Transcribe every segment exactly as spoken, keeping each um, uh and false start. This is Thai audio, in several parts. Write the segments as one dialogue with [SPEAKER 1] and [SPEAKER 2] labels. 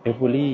[SPEAKER 1] Every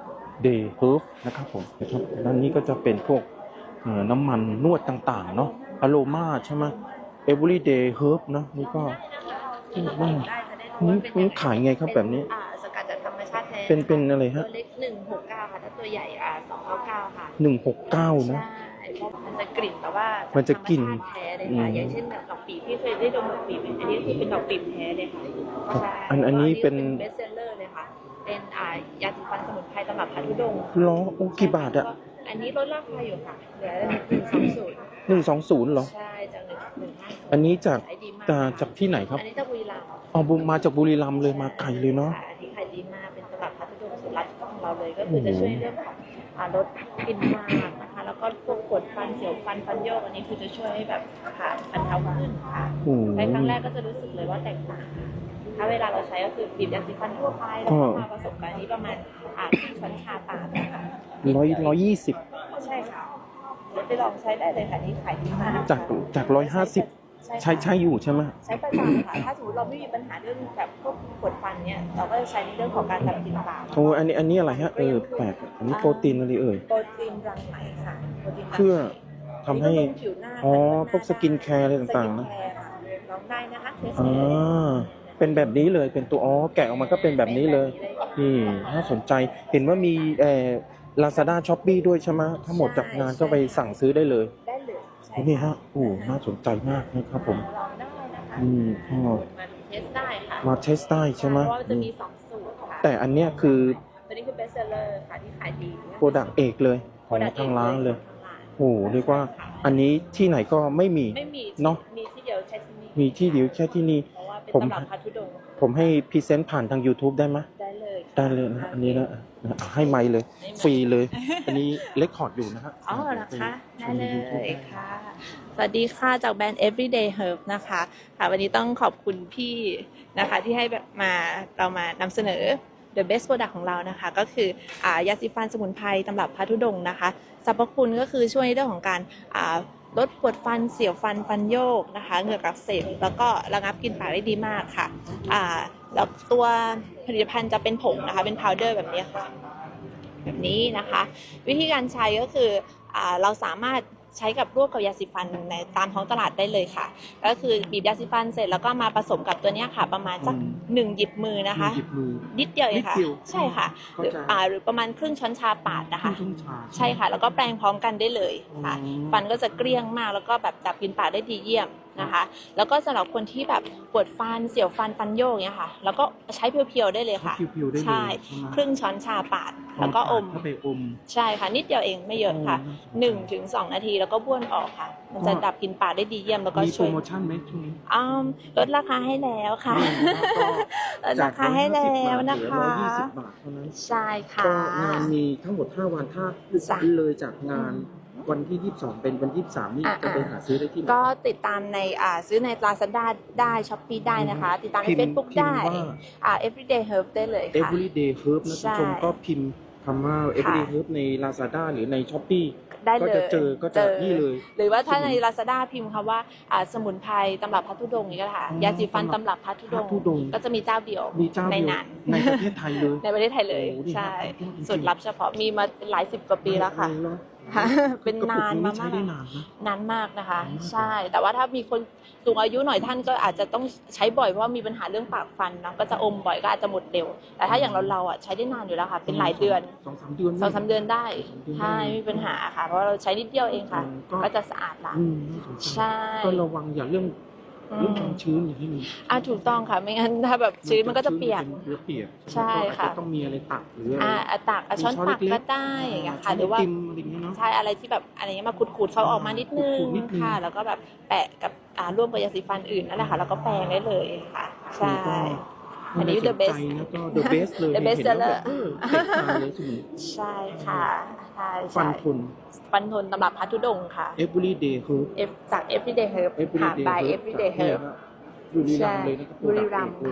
[SPEAKER 1] Day Herb นะครับผมนะครับด้านนี้ก็จะเป็นพวกน้ำมันนวดต่างๆเนาะอโรมาใช่ไหม Every Day Herb นะนี่ก็นี่นี่ขายไงครับแบบนี้
[SPEAKER 2] สกัดจากธรรมชาติแท้
[SPEAKER 1] เป็นเป็นอะไรฮะ
[SPEAKER 2] ตัวเล็กหนึ่งหกเก้าค่ะถ้าตัวใหญ่อ่าสองเก้าเก้าค่ะ
[SPEAKER 1] หนึ่งหกเก้านะ
[SPEAKER 2] มันจะกลิ่นแบบว่า
[SPEAKER 1] มันจะกลิ่น
[SPEAKER 2] แท้เลยค่ะอย่างเช่นแบบดอกปีบที่เคยได้ดมดอกปีบอันนี้คือเป็นดอกปีบแท้เลยค่ะใช่
[SPEAKER 1] อันอันนี้เป็น
[SPEAKER 2] เบสเซลเลอร์เลยค่ะเป็นอ่ายาสีฟันสมุนไพรตำรับพัทธุดงค์
[SPEAKER 1] ล้อโอ้กี่บาทอะ
[SPEAKER 2] อันนี้ลดราคาอยู่ค่ะเหลือหนึ่งสองศูนย์
[SPEAKER 1] หนึ่งสองศูนย์เหรอ
[SPEAKER 2] ใช่จากหนึ่งหนึ่งห้า
[SPEAKER 1] อันนี้จากจากที่ไหนครับ
[SPEAKER 2] อันนี้จากบุรีรัมย์
[SPEAKER 1] อ๋อมาจากบุรีรัมย์เลยมาไกลเลยเนาะ
[SPEAKER 2] อันนี้ขายดีมากเป็นตำรับพัทธุดงค์สูตรลับของเราเลยก็คือจะช่วยเรื่องของลดกลิ่นมากนะคะแล้วก็พวกปวดฟันเสียวฟันฟันโยกอันนี้คือจะช่วยให้แบบค่ะบรรเทาขึ้นค่ะใช้ครั้งแรกก็จะรู้สึกเลยว่าแตกต่างถ้าเวลาเราใช้ก็คือบีบยาสีฟันทั่วไปแล้วก็มาผสมกันนี้ประมาณอ่าครึ่งช้อนชาตามนะคะ
[SPEAKER 1] ร้อยร้อยยี่สิบ
[SPEAKER 2] ใช่ค่ะไปลองใช้ได้เลยค่ะนี่ขายดีมาก
[SPEAKER 1] จากจากร้อยห้าสิบใช้ใช้อยู่ใช่ไหม
[SPEAKER 2] ใช้ประจำค่ะถ้าสมมติเราไม่มีปัญหาเรื่องแบบพวกปวดฟันเนี่ยเราก็จะใช้ในเรื่องของการดับกลิ่นปาก
[SPEAKER 1] โอ้อันนี้อันนี้อะไรฮะเออแปลกอันนี้โปรตีนอะไรเอ่ย
[SPEAKER 2] โปรตีนรังไหมค่ะ
[SPEAKER 1] เพื่อทำให้อ๋อพวกสกินแคร์อะไรต่างๆนะ
[SPEAKER 2] ลองได้นะคะ
[SPEAKER 1] อ่าเป็นแบบนี้เลยเป็นตัวอ๋อแกะออกมาก็เป็นแบบนี้เลยนี่น่าสนใจเห็นว่ามีเอ่อ Lazada Shopee ด้วยใช่ไหมถ้าหมดจากงานก็ไปสั่งซื้อได้เลย
[SPEAKER 2] ได้เลย
[SPEAKER 1] นี่ฮะโอ้น่าสนใจมากนะครับผม
[SPEAKER 2] ลองได้นะคะ
[SPEAKER 1] อืม
[SPEAKER 2] ก็มาเทสได้ค่ะ
[SPEAKER 1] มาเทสได้ใช่ไหม
[SPEAKER 2] เพราะว่าจะมีสองสูตรค่ะ
[SPEAKER 1] แต่อันเนี้ยคือ
[SPEAKER 2] ตัวนี้คือเบสเซลเลอร์ค่ะที่ขายดี
[SPEAKER 1] โปรดักต์เอกเลยของทางร้านเลยโอ้เรียกว่าอันนี้ที่ไหนก็ไม่มี
[SPEAKER 2] ไม่มี
[SPEAKER 1] เนาะ
[SPEAKER 2] มีที่เดียวแค่ที่นี่
[SPEAKER 1] มีที่เดียวแค่ที่นี่
[SPEAKER 2] ผม
[SPEAKER 1] ผมให้พรีเซนต์ผ่านทาง YouTube ได้ไหม
[SPEAKER 2] ได้เลย
[SPEAKER 1] ได้เลยนะอันนี้นะให้ไมค์เลยฟรีเลยอันนี้เรคคอร์ดอยู่นะฮะ
[SPEAKER 2] อ๋อเหรอคะได้เลยค่ะสวัสดีค่ะจากแบรนด์ Everyday Herb นะคะค่ะวันนี้ต้องขอบคุณพี่นะคะที่ให้แบบมาเรามานำเสนอ The Best Product ของเรานะคะก็คืออ่ายาสีฟันสมุนไพรตำรับพัทธุดงค์นะคะสรรพคุณก็คือช่วยในเรื่องของการอ่าลดปวดฟันเสียวฟันฟันโยกนะคะเหงือกอักเสบแล้วก็ระงับกลิ่นปากได้ดีมากค่ะอ่าแล้วตัวผลิตภัณฑ์จะเป็นผงนะคะเป็นพาวเดอร์แบบนี้ค่ะแบบนี้นะคะวิธีการใช้ก็คืออ่าเราสามารถใช้กับร่วมกับยาสีฟันในตามท้องตลาดได้เลยค่ะก็คือบีบยาสีฟันเสร็จแล้วก็มาผสมกับตัวนี้ค่ะประมาณสักหนึ่งหยิบมือนะคะนิดเดียวเองค่ะใช่ค่ะหรืออ่าหรือประมาณครึ่งช้อนชาปาดนะคะใช่ค่ะแล้วก็แปรงพร้อมกันได้เลยค่ะฟันก็จะเกลี้ยงมากแล้วก็แบบดับกลิ่นปากได้ดีเยี่ยมนะคะแล้วก็สำหรับคนที่แบบปวดฟันเสียวฟันฟันโยกเนี้ยค่ะแล้วก็ใช้เพียวๆได้เลยค่ะใช่ครึ่งช้อนชาปาดแล้วก็อมใช่ค่ะนิดเดียวเองไม่เยอะค่ะหนึ่งถึงสองนาทีแล้วก็บ้วนออกค่ะมันจะดับกลิ่นปากได้ดีเยี่ยมแล้วก็ช่วย
[SPEAKER 1] มีโปรโมชั่นไหมช่วงนี้
[SPEAKER 2] อ้าวลดราคาให้แล้วค่ะลดราคาให้แล้วนะคะ
[SPEAKER 1] ร้อยยี่สิบบาทเท่านั้น
[SPEAKER 2] ใช่ค่ะ
[SPEAKER 1] ก็งานมีทั้งหมดห้าวันถ้าเลยจากงานวันที่ยี่สิบสองเป็นวันที่ยี่สิบสามนี่จะไปหาซื้อได้ที่ไหน
[SPEAKER 2] ก็ติดตามในอ่าซื้อใน Lazada ได้ Shopee ได้นะคะติดตามใน Facebook ได้อ่า Everyday Herb ได้เลยค่ะ
[SPEAKER 1] Everyday Herb นะผู้ชมก็พิมพ์คำว่า Everyday Herb ใน Lazada หรือใน Shopee
[SPEAKER 2] ได้เลย
[SPEAKER 1] ก็จะเจอก็จะนี่เลย
[SPEAKER 2] หรือว่าถ้าใน Lazada พิมพ์คำว่าอ่าสมุนไพรตำรับพัทธุดงค์นี่ก็ค่ะยาสีฟันตำรับพัทธุดงค์ก็จะมีเจ้าเดียวในนั้น
[SPEAKER 1] ในประเทศไทยเลย
[SPEAKER 2] ในประเทศไทยเลยใช่สูตรลับเฉพาะมีมาหลายสิบกว่าปีแล้วค่ะเป็นนานมากนานมากนะคะใช่แต่ว่าถ้ามีคนสูงอายุหน่อยท่านก็อาจจะต้องใช้บ่อยเพราะว่ามีปัญหาเรื่องปากฟันเนาะก็จะอมบ่อยก็อาจจะหมดเร็วแต่ถ้าอย่างเราเราอ่ะใช้ได้นานอยู่แล้วค่ะเป็นหลายเดือน
[SPEAKER 1] สองสามเดือน
[SPEAKER 2] สองสามเดือนได้ใช่ไม่มีปัญหาค่ะเพราะเราใช้นิดเดียวเองค่ะก็จะสะอาดละใช่
[SPEAKER 1] ก็ระวังอย่าเรื่องเรื่องความชื้นอย่างที่มี
[SPEAKER 2] อ่าถูกต้องค่ะไม่งั้นถ้าแบบชื้นมันก็จะเปียกใช่ค่ะ
[SPEAKER 1] ต้องมีอะไรตักหรือ
[SPEAKER 2] อ่าตักช้อนตักก็ได้อย่างเงี้ยค่ะหรือว่าใช่อะไรที่แบบอะไรเงี้ยมาขูดๆเขาออกมานิดนึงค่ะแล้วก็แบบแปะกับอ่าร่วมกับยาสีฟันอื่นนั่นแหละค่ะแล้วก็แปรงได้เลยค่ะใช่อันนี้ the best
[SPEAKER 1] the best เลย
[SPEAKER 2] the best seller ใช่ค่ะใช่
[SPEAKER 1] ฟันทน
[SPEAKER 2] ฟันทนตำรับพัทธุดงค์ค่ะ
[SPEAKER 1] Everyday Herb
[SPEAKER 2] จาก Everyday Herb ค่ะ by Everyday Herb
[SPEAKER 1] บุรีรัมย์เลยนะครับ
[SPEAKER 2] บุรีรัมย์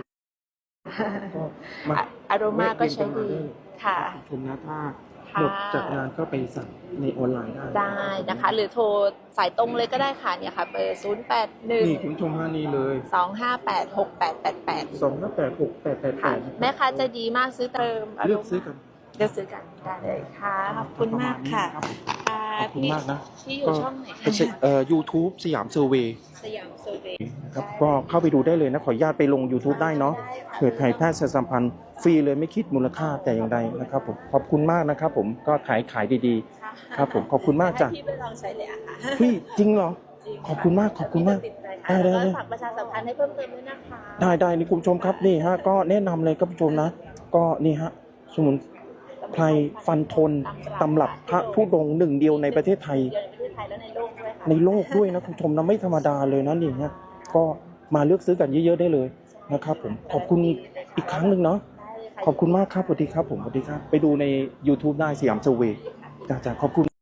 [SPEAKER 2] อารมาก็ใช้ดีค่ะ
[SPEAKER 1] ชมนะถ้าหมดจากงานก็ไปสั่งในออนไลน์ได้
[SPEAKER 2] ได้นะคะหรือโทรสายตรงเลยก็ได้ค่ะเนี่ยค่ะเบอร์ศูนย์ แปด หนึ่ง
[SPEAKER 1] นี่คุณชมฮานี่เลย
[SPEAKER 2] สอง ห้า แปด หก แปด แปด แปด
[SPEAKER 1] สอง ห้า แปด หก แปด แปด แปด
[SPEAKER 2] แม่ค้าใจดีมากซื้อเติม
[SPEAKER 1] เลือกซื้อกัน
[SPEAKER 2] เลือกซื้อกันได้เลยค่ะขอบคุณมากค่ะ
[SPEAKER 1] รับผม
[SPEAKER 2] อ่า
[SPEAKER 1] ขอบคุณ
[SPEAKER 2] พี่
[SPEAKER 1] มากนะ
[SPEAKER 2] พี่อยู่
[SPEAKER 1] ก็
[SPEAKER 2] ช่องไหน
[SPEAKER 1] เป็น
[SPEAKER 2] คะ
[SPEAKER 1] เอ่อ YouTube สยามเซอร์เวย์
[SPEAKER 2] สยามเซอร์เวย์
[SPEAKER 1] นะครับก็เข้าไปดูได้เลยนะขออนุญาตไปลง YouTube ได้เนาะเผื่อไทยแพทย์สัมพันธ์ฟรีเลยไม่คิดมูลค่าแต่อย่างใดนะครับผมขอบคุณมากนะครับผมก็ขายขายดีๆครับผมขอบคุณมากจ้ะ
[SPEAKER 2] ให้พี่ไปลองใช้เลยอะค่ะ
[SPEAKER 1] พี่จริงเหรอ
[SPEAKER 2] จริงะ
[SPEAKER 1] ขอบคุณมากขอบคุณมาก
[SPEAKER 2] ติดใจ
[SPEAKER 1] ได้
[SPEAKER 2] ค่ะ
[SPEAKER 1] ได้
[SPEAKER 2] แล้ว
[SPEAKER 1] ได้
[SPEAKER 2] ก็ฝากประชาสัมพันธ์ให้เพิ่มเติมด้วยนะคะ
[SPEAKER 1] ได้ได้นี่คุณผู้ชมครับนี่ฮะก็แนะนำเลยครับคุณผู้ชมนะ ก็นี่ฮะสมุนไพรฟันทนตำรับพระธุดงค์หนึ่งเดียวในประเทศไทย
[SPEAKER 2] เดียวในประเทศไทยและในโลกด้วยค่ะ
[SPEAKER 1] ในโลกด้วยนะคุณผู้ชมนะไม่ธรรมดาเลยนะนี่ฮะก็มาเลือกซื้อกันเยอะๆได้เลยนะครับผมขอบคุณอีกครั้งหนึ่งเนาะ
[SPEAKER 2] ได้เลยค่ะ
[SPEAKER 1] ขอบคุณมากครับสวัสดีครับผมสวัสดีครับไปดูใน YouTube ได้สยามเซอร์เวย์จ้าๆขอบคุณ